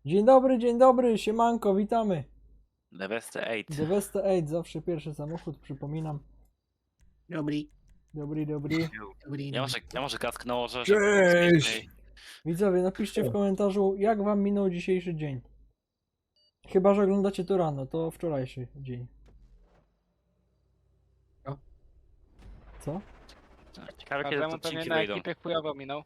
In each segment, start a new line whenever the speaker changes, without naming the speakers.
Dzień dobry, siemanko, witamy.
Deveste 8.
Deveste 8, zawsze pierwszy samochód, przypominam.
Dobry.
Dobry.
Ja może kask nałożę,
Cześć!
Widzowie, napiszcie w komentarzu, jak wam minął dzisiejszy dzień. Chyba że oglądacie to rano, to wczorajszy dzień.
Co?
Co?
Ciekawe kiedy
Każdemu
te
pewnie
odcinki
na
wyjdą.
ekipie chujowo minął.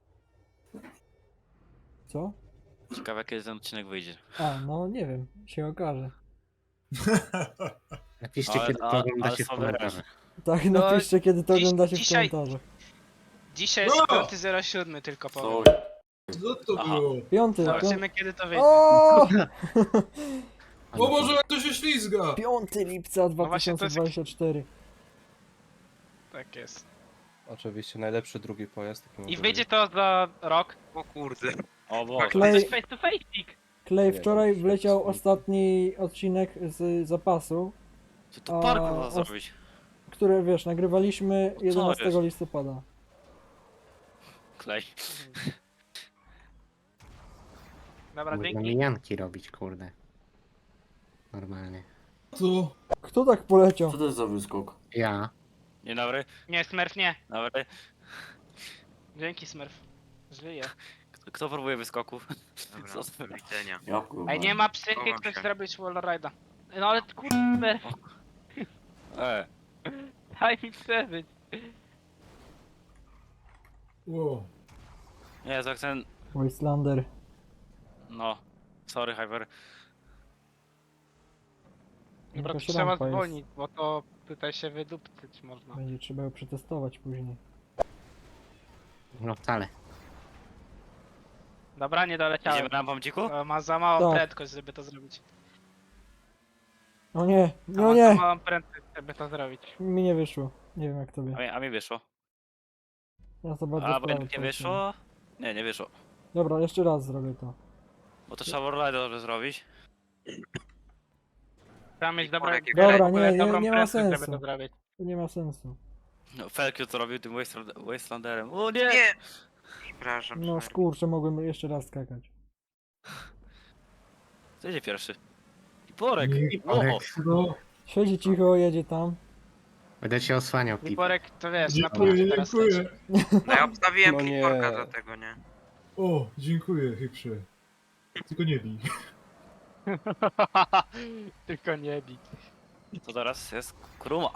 Co?
Ciekawe kiedy ten odcinek wyjdzie.
A, no nie wiem, się okaże.
Napiszcie,
Ale-
kiedy to
ale
oglądacie w
są
komentarzach.
Tak,
No,
napiszcie, kiedy to
dziś-
oglądacie w
dzisiaj-
komentarzach.
Dzisiaj jest
No!
5.07 tylko powiem.
Co to
Aha.
było?
Piąty,
Zobaczymy kiedy to wyjdzie.
O!
O Boże, jak to się ślizga!
5 lipca
właśnie to jest-
2024.
Tak jest.
Oczywiście najlepszy drugi pojazd. Taki
I
może
wyjdzie
być.
to za rok.
O kurde.
O Boże.
To
Klej,
jest face to face.
Klej,
Nie,
wczoraj
to
wleciał
jest-
ostatni odcinek z zapasu,
Ty to parku
a,
ma
os-
zrobić.
które wiesz, nagrywaliśmy
Co
11
jest?
listopada.
Klej.
Dobra,
Można
dzięki.
mijanki robić, kurde. Normalnie.
To...
Kto tak poleciał?
Co to jest za wyskok?
Ja.
Nie dobry?
Nie, Smurf nie.
Dobry.
Dzięki Smurf. Żyje.
Kto próbuje wyskoków?
Dobra,
Co to-
do widzenia.
Ja kurwa.
Ej, nie ma psychy,
Chowam
ktoś
się.
zrobić wallride'a. No ale kurde, daj mi przeżyć.
Wow.
Nie, jak ten...
Wastelander.
No. Sorry, Hyper.
Dobra, to
Jakaś
trzeba
rampa jest.
zwolnić, bo to tutaj się wydupcyć można.
Będzie trzeba ją przetestować później.
No wcale.
Dobra, nie doleciałem.
Idziemy rampą dziku?
Ma za małą
Tak.
prędkość, żeby to zrobić.
O nie, no
Ma za
nie!
małą prędkość, żeby to zrobić.
Mi nie wyszło. Nie wiem jak tobie.
A mi wyszło.
Ja za bardzo
A,
w
bo
prawo
nie
poleciałem.
wyszło? Nie, nie wyszło.
Dobra, jeszcze raz zrobię to.
Bo to trzeba Warlide dobrze zrobić.
Trzeba mieć
Dobra,
Dobra,
w ogóle dobrą
nie ma
prędkość,
sensu.
żeby to zrobić.
To nie ma sensu.
No, Felkiu to robił tym Wastelanderem. O nie!
Nie! Przepraszam.
No
sorry.
skurczę, mogłem jeszcze raz skakać.
Co idzie pierwszy? Porek!
Nie,
O!
No,
Siedzi cicho, jedzie tam.
Będę cię osłaniał, Pip.
Liporek, to wiesz, na
dziękuję,
punkcie teraz
dziękuję.
leci.
No ja obstawiłem
No nie.
kliporka do tego, nie?
O, dziękuję, Hyprze. Tylko nie bij.
Tylko nie bij.
To teraz jest Kruma.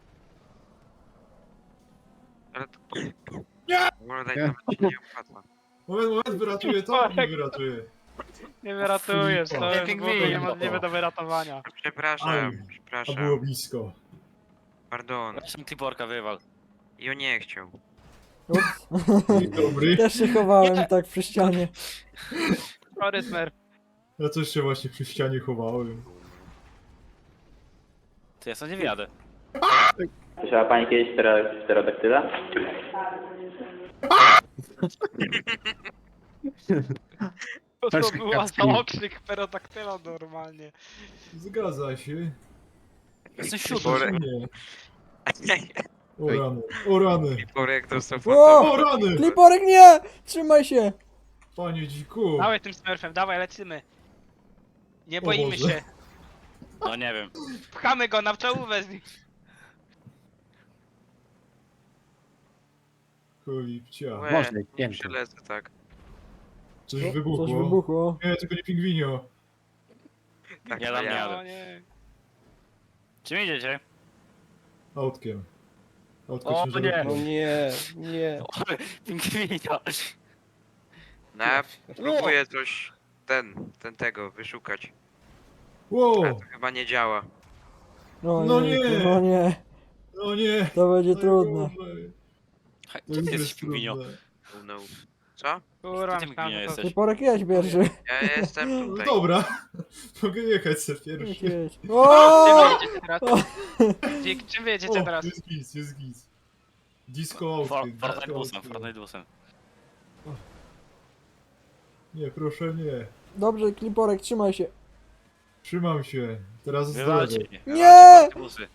Ale to...
Nie!
W ogóle daj nawet się nie opłaca.
Moment, wyratuję to? Nie wyratuję.
Nie wyratujesz, to
Nie
jest w
pingwin.
ogóle niemożliwe do wyratowania.
Przepraszam,
Aj, A
przepraszam.
było blisko.
Pardon.
Zresztą Kliporka wywal.
I on nie chciał.
Ups.
Dzień dobry.
Też się chowałem tak przy ścianie.
Sorry, Smurf.
Ja też się właśnie przy ścianie chowałem.
To ja sobie nie wjadę.
Słyszała Pani kiedyś pterodaktyla?
To
Perszy
była
kacki.
za okrzyk perodaktyla normalnie.
Zgadza się.
Jestem siódmy.
Kliporek.
Nie. O rany, o rany.
Kliporek dostał
O!
fantomę.
O rany!
Kliporek nie! Trzymaj się!
Panie dziku.
Dawaj tym Smurfem, dawaj, lecimy. Nie
O
boimy
Boże.
się.
No nie wiem.
Pchamy go na czołówę z nim.
Cholipcia.
Łe,
Można,
nie
pięknie.
przylecę tak.
Coś
Coś
wybuchło.
wybuchło.
Nie, tylko nie pingwinio.
Tak,
Nie
to
dam
ja.
rady.
O nie.
Czym idziecie?
Autkiem. Autko
O,
ciężarówką.
No nie, nie.
Pingwinio.
No ja próbuję coś... tego wyszukać.
Wow!
Ale to chyba nie działa.
No nie.
No nie,
No nie!
to będzie
No
trudne.
Boże.
Gdzie ty jesteś, Pingwinio?
trudne.
Oh no. Co?
Kurwa,
Ty
myślałem,
nie
że to...
jesteś.
Kliporek jedź pierwszy.
Ja jestem
No
tutaj.
dobra, mogę jechać sobie
Jedź,
pierwszy.
jedź.
Czym
O!
wyjedziecie teraz?
O!
Dzik, czym wyjedziecie
O,
teraz?
jest giz, jest giz. Disco autkiem.
Fortnite
disco
busem,
autkiem.
Fortnite busem.
Nie, proszę nie.
Dobrze, Kliporek, trzymaj się.
Trzymam się. Teraz
Wywalcie
zdrowie.
mnie.
Nie!
Wywalcie Fortnite busy.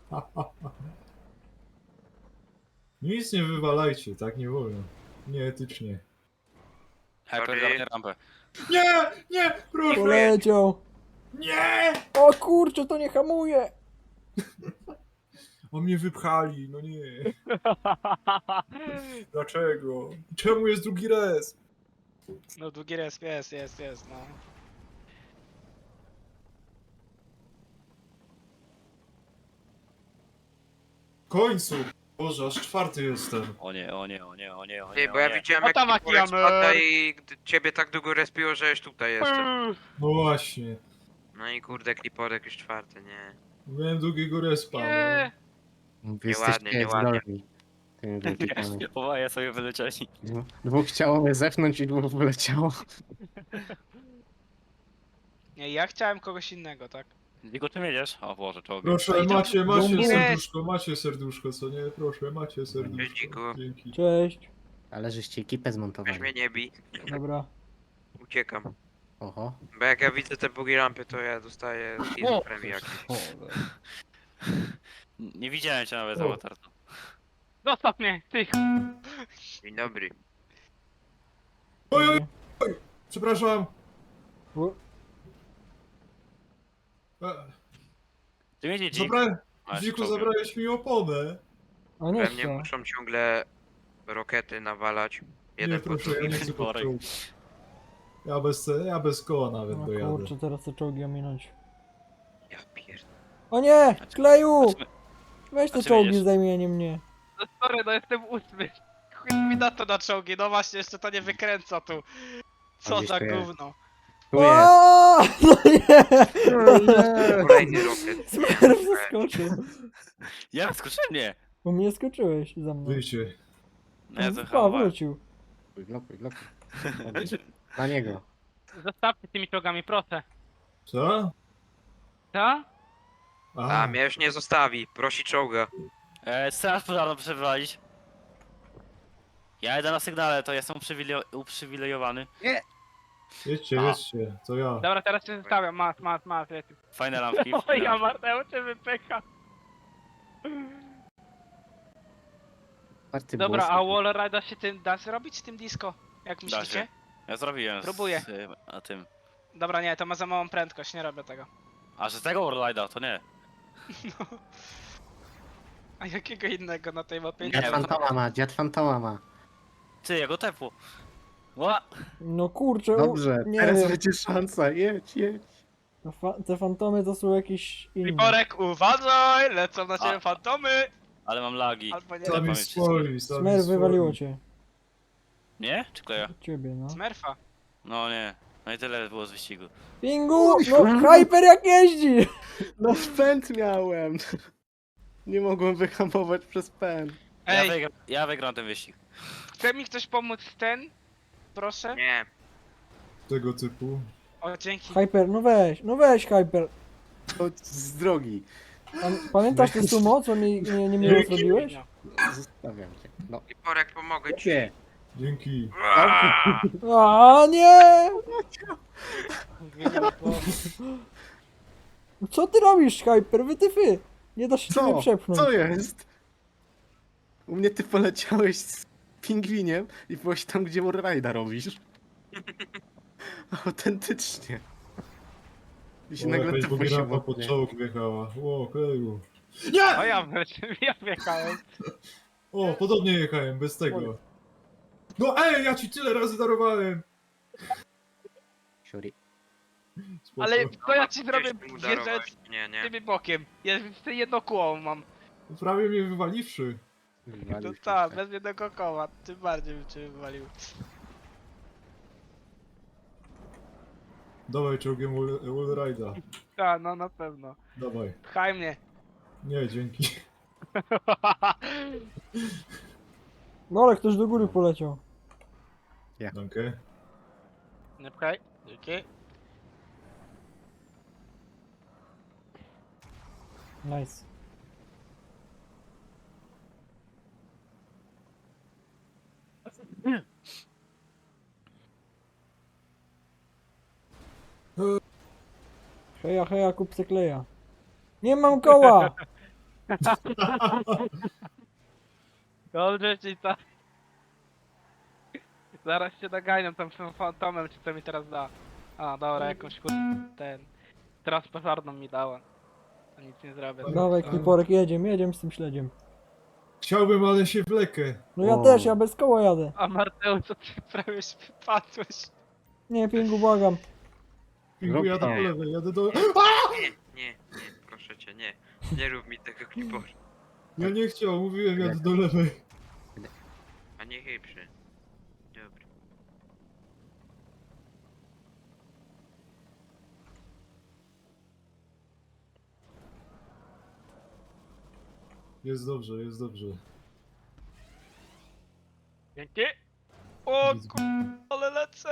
Nic nie wywalajcie, tak nie wolno. Nieetycznie.
Hyper,
Sorry.
dawaj rampę.
Nie! Nie! Proszę!
Poleciał.
Nie!
O kurczę, to nie hamuje.
O mnie wypchali, no nie. Dlaczego? Czemu jest drugi res?
No długi resp jest, no.
W końcu! Boże, aż czwarty jestem.
O nie, o nie, o nie, o nie, o
Ty,
nie,
bo
o
ja
nie.
widziałem
O
jak
tam
Kiporek
Akiamer.
spada i ciebie tak długo respiło, że już tutaj jestem.
No właśnie.
No i kurde, Kliporek już czwarty, nie.
Miałem drugiego respa.
Nie!
Wy
Nieładnie,
jesteście
nieładnie.
zdolni. Tymi wielkimi.
Oboje sobie wylecieli.
Dwóch chciało mnie zepchnąć i dwóch wyleciało.
Nie, ja chciałem kogoś innego, tak?
Tylko czym jedziesz? O Boże, czołg.
Proszę,
No i to-
macie serduszko, co nie? Proszę, macie serduszko.
Dziękuję.
Dzięki.
Cześć.
Ale żeście ekipę
Weź
zmontowali.
mnie nie bij.
Dobra.
Uciekam.
Oho.
Bo jak ja widzę te bugi rampy, to ja dostaję schizofrenii jakieś.
Nie widziałem cię nawet,
O.
Avatar.
Zostaw mnie, ty!
Dzień dobry.
Oj, oj, oj! Przepraszam!
U-
Ty mnie dzik.
Dziku, zabrałeś mi oponę.
A nie
We mnie
chcę.
muszą ciągle rokety nawalać.
Nie,
Jeden po
proszę, ja
drugim.
nie chcę pod
Worek.
czołg. Ja bez koła nawet
O
dojadę.
kurczę, teraz te czołgi ominąć.
Ja pierdolę.
O nie! Kleju!
Znaczy-
Weź te
znaczy
czołgi
jedziesz?
zajmie, nie mnie.
No sorry, no jestem 8. Chuj mi na to na czołgi, no właśnie, jeszcze to nie wykręca tu. Co
gdzieś
za
tu jest.
gówno.
Tu jest.
O, no nie!
Kolejny rokiet.
Smerf zaskoczył.
Ja skoczyłem mnie.
Bo mnie skoczyłeś za mną.
Wyjście.
No ja to
Pa,
chyba.
wrócił.
Blokuj, blokuj. Na niego.
Zostawcie tymi czołgami, proszę.
Co?
Co?
A, mnie już nie zostawi. Prosi czołga.
Straż pożarną przewalić. Ja jedę na sygnale, to jestem uprzywilejowany.
Jedźcie,
A.
jedźcie, to ja.
Dobra, teraz się zostawiam, masz, leci.
Fajne lampki.
O, ja Marteo cię wypycha.
Party
Dobra,
było
a
super.
wallride'a się tym da zrobić z tym disco? Jak
Da
myślicie?
się. Ja zrobiłem.
Próbuję.
A tym.
Dobra, nie, to ma za małą prędkość, nie robię tego.
A że z tego Warlide'a, to nie.
A jakiego innego na tej mapie?
Nie,
Dziad
bo-
fantoma ma, dziad fantoma ma.
Ty, ja go tepło. Ła!
No kurczę,
Dobrze,
nie
teraz
wiem.
będzie szansa, jedź, jedź.
Te fantomy to są jakieś inne.
Liporek, uważaj! Lecą na ciebie
A.
fantomy!
Ale mam lagi.
Albo nie.
Sami
Sami
pamięć
swoi, sami
Smer
swoi.
wywaliło cię.
Nie? Czy kleja?
Ciebie, no.
Smurfa.
No nie. No i tyle było z wyścigu.
Pingu! No Hyper jak jeździ!
No pęd miałem. Nie mogłem wyhamować przez pęd.
Ej,
Ja wygram ten wyścig.
chce mi ktoś pomóc w ten? Proszę?
Nie.
Tego typu.
O, dzięki.
Hyper, no weź Hyper.
Chodź z drogi.
Pamiętasz tę sumo, co mi nie miło
Dzięki.
zrobiłeś?
Zostawiam cię. No,
Kliporek, pomogę ci.
nie.
Dzięki.
A nie! Co ty robisz, Hyper? Wytyfy! Nie da się ciebie
Co?
przepchnąć.
Co jest? U mnie ty poleciałeś z pingwiniem i byłeś tam, gdzie Warride'a robisz. Autentycznie. I się
O,
nagle
jakaś
typu się
bogierampa pod
woknie.
czołg wjechała. O, kleju.
O, ja wjechałem.
O, podobnie jechałem, bez tego. No ej, ja ci tyle razy darowałem!
Siuri.
Spoko.
Ale to ja ci
Gdzieś
zrobię
ty mu
wjeżdżać
darowałeś. Nie, nie.
tymi bokiem. Ja jeszcze jedno kóło mam.
Prawie mnie wywaliwszy.
To
Wywalił się
tak,
tak.
bez jednego koła. Tym bardziej bym cię wywalił.
Dawaj czołgiem Wallride'a.
Tak, no na pewno.
Dawaj.
Pchaj mnie.
Nie, dzięki.
No ale ktoś do góry poleciał.
Dankę.
Nie pchaj. Dzięki.
Nice. Heja, heja, kup se kleja. Nie mam koła!
Dobrze ci tak. Zaraz się doganiam tam tym fantomem, czy to mi teraz da. A, dobra, jakąś ten... Transportarną mi dała. To nic nie zrobię.
Dawaj, Kliporek, jedziemy z tym śledziem.
Chciałbym, ale się wlekę.
No ja
O.
też, ja bez koła jadę.
A Marteu, co ty prawie wypadłeś?
Nie, Pingu, błagam.
Pingu, jadę
Nie.
do lewej, jadę do...
Nie, proszę cię, nie. Nie rób mi tego klipora.
Ja nie chciał, mówiłem, jadę do lewej.
A nie chyprzy. Dobra.
Jest dobrze, jest dobrze.
Dzięki! O
Nic-
ale lecę!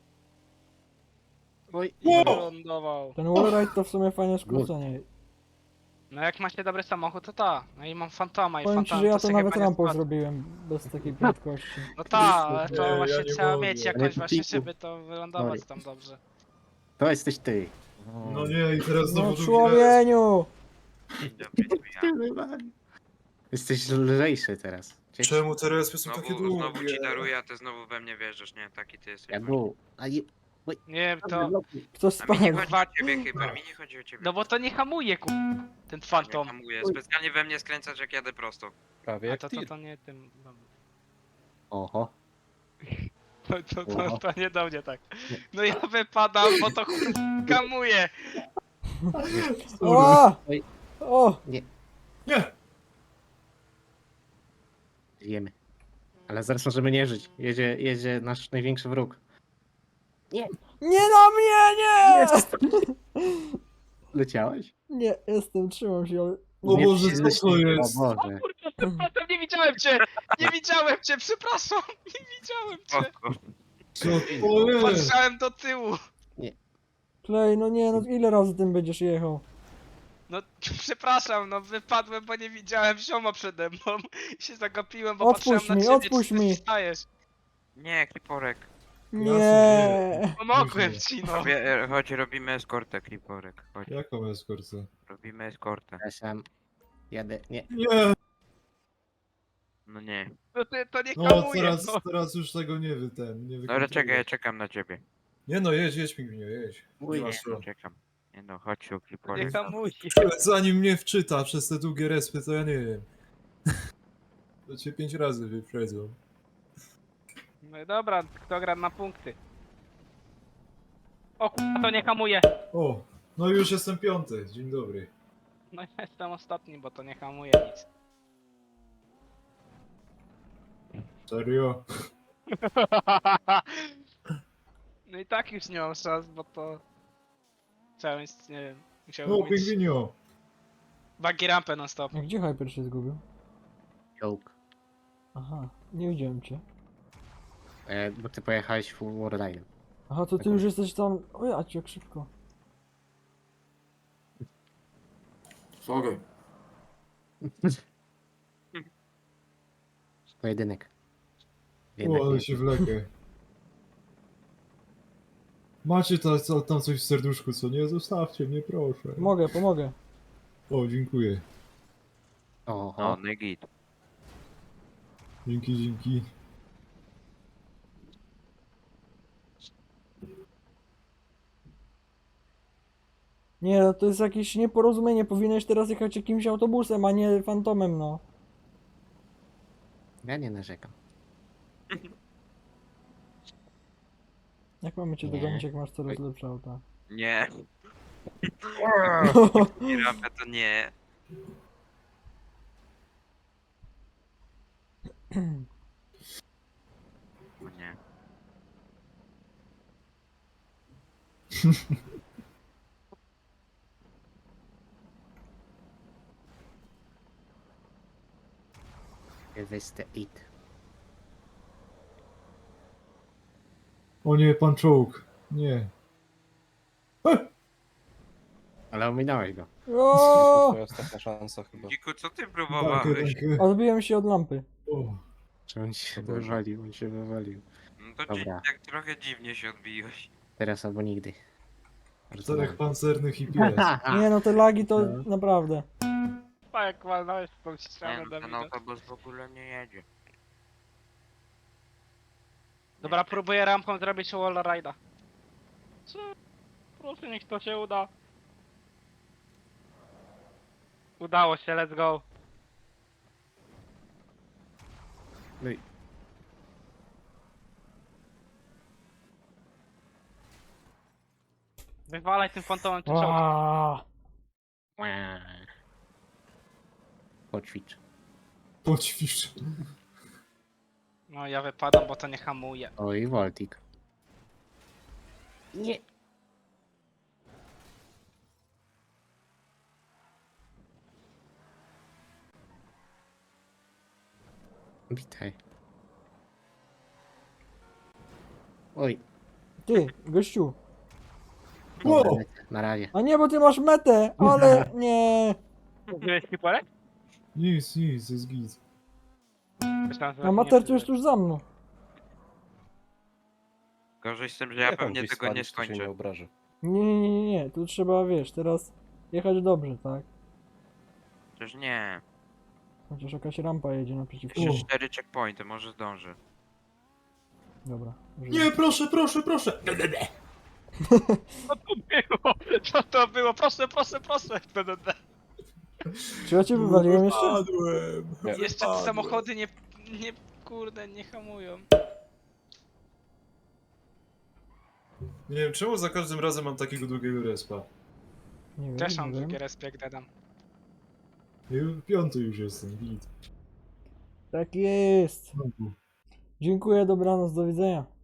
Oj,
I wylądował.
Ten wallride to w sumie fajne skrócenie.
No jak macie dobry samochód, to ta. No i mam fantoma i
Powiem ci,
fantom
że ja to
sobie
nawet
chyba nie
rampą
spadł.
zrobiłem, bez takiej prędkości.
No ta, ale
Nie,
to
ja
właśnie
nie
trzeba
mogę.
mieć
Ale
jakąś
to
właśnie,
piku.
żeby to wylądować
Oj.
tam dobrze.
to jesteś ty.
No nie, i teraz
No
znowu drugi raz.
człowieniu!
Dzień dobry, to ja.
Jesteś lżejszy teraz.
Czemu te respy są takie
Znowu
długie?
ci daruję, a ty znowu we mnie wierzysz, nie? Taki ty jesteś.
Ja
właśnie.
był. A je...
Nie wiem, to...
Kto
A mi
spadł?
nie chodzi o ciebie, Hyper, mi nie chodzi o ciebie.
No bo to nie hamuje, ten
Nie
fantom.
hamuję, specjalnie we mnie skręcasz, jak jadę prosto.
Prawie
A
jak
to,
tir.
to nie tym... no.
Oho.
To nie do mnie tak. No ja wypadam, bo to hamuje.
O!
Oj.
O!
Nie!
Wiemy. Ale zaraz możemy nie żyć. Jedzie nasz największy wróg.
Nie na mnie, nie!
Leciałeś?
Nie, jestem, trzymam się, ale...
O
Nie,
Boże,
ty
co
jesteś-
to jest?
O
O
Boże.
kurczę, przepraszam, nie widziałem cię! Nie widziałem cię, przepraszam! Nie widziałem cię!
Spoko.
Co to jest?
Patrzałem do tyłu!
Klej, no nie, no ile razy tym będziesz jechał?
No przepraszam, no wypadłem, bo nie widziałem zioma przede mną. I się zagapiłem, bo
Odpuść
patrzyłem
mi,
na ciebie,
odpuść
czy ty
mi.
wstajesz.
Nie, kliporek.
Nie!
Pomogłem ci, no.
Chodź, robimy eskortę, kliporek. Chodź,
Jaką eskortę?
robimy eskortę.
Przepraszam. Jadę. Nie.
Nie!
No
No nie.
to nie
No
hamuje,
teraz,
no.
teraz już tego nie nie
Dobra,
wykontroluję.
czekaj, ja czekam na ciebie.
Nie no, jedź pingwinie, jedź.
Mój
Nie ma
Nie,
co.
no, czekam. Nie no, chodź się,
Nie
kliporek.
hamuje.
Zanim mnie wczyta przez te długie respy, to ja nie wiem. To cię 5 razy wyprzedzą.
No i dobra, kto gra na punkty? O kurwa, to nie hamuje.
O, no już jestem 5. Dzień dobry.
No ja jestem ostatni, bo to nie hamuje nic.
Serio?
No i tak już nie mam szans, bo to... Chciałem, nie wiem,
No,
musiałbym mieć
pingwinio.
buggy rampę non stop.
A gdzie Hyper się zgubił?
Joke.
Aha, nie widziałem cię.
Bo ty pojechałeś full warline'em.
Aha, to ty już jesteś tam... O ja cię, jak szybko.
Sorry.
Pojedynek.
O, ale się wlekę. Macie tam coś w serduszku, co nie? Zostawcie mnie, proszę.
Pomogę.
O, dziękuję.
Oho.
No, negit.
Dzięki.
Nie, no to jest jakieś nieporozumienie. Powinieneś teraz jechać jakimś autobusem, a nie fantomem, no.
Ja nie narzekam.
Jak mamy cię
Nie.
dogonić, jak masz coraz lepsze auta?
Nie. I rampę to nie. O nie.
Wystę it.
O nie, pan czołg. Nie.
Ale ominąłeś go.
O!
Twoja ostatnia szansa chyba.
Dziku, co ty
Danke,
próbowałeś?
danke.
Odbiłem się od lampy.
O,
Czy on się
O Boże.
wywalił? On się wywalił.
No to ci
Dobra.
tak trochę dziwnie się odbiłeś.
Teraz albo nigdy.
czterech pancernych i pies.
Nie, no te lagi to naprawdę.
A jak walnąłeś w tą
Nie,
ścianę,
no, ten
Dawida.
autobus w ogóle nie jedzie.
Dobra, próbuję rampą zrobić wall ride'a. Co? Proszę, niech to się uda. Udało się, let's go.
No i
Wywalaj tym fantomem czy czołg.
Aaaa.
poćwicz.
Poćwicz.
No ja wypadam, bo to nie hamuje.
Oj, Voltik. Nie. Witaj. Oj,
Ty, gościu.
Wow.
na razie.
A nie, bo ty masz metę, ale nie.
Wziąłeś kiporek?
Nic, jest git.
Myślałem, że
A
nie
mater to
wziąłeś.
jest tuż za mną.
Gorzej z tym, że ja
Jak on
pewnie
gdzieś
tego nie
spalić, to się
skończę.
nie obraży.
Nie, tu trzeba, wiesz, teraz jechać dobrze, tak?
Przecież nie.
Chociaż jakaś rampa jedzie naprzeciwko.
Jeszcze 4 checkpointy, może zdąży.
Dobra.
Nie, proszę.
Co to było? Proszę. BDD.
Czy ja cię wywaliłem jeszcze?
Padłem.
Jeszcze te samochody nie, kurde, nie hamują.
Nie wiem, czemu za każdym razem mam takiego długiego respa.
Nie wiem,
Też mam
nie wiem.
drugi respekt, dedam.
Ja piąty już jestem, git.
Tak jest. Dziękuję, dobranoc, do widzenia.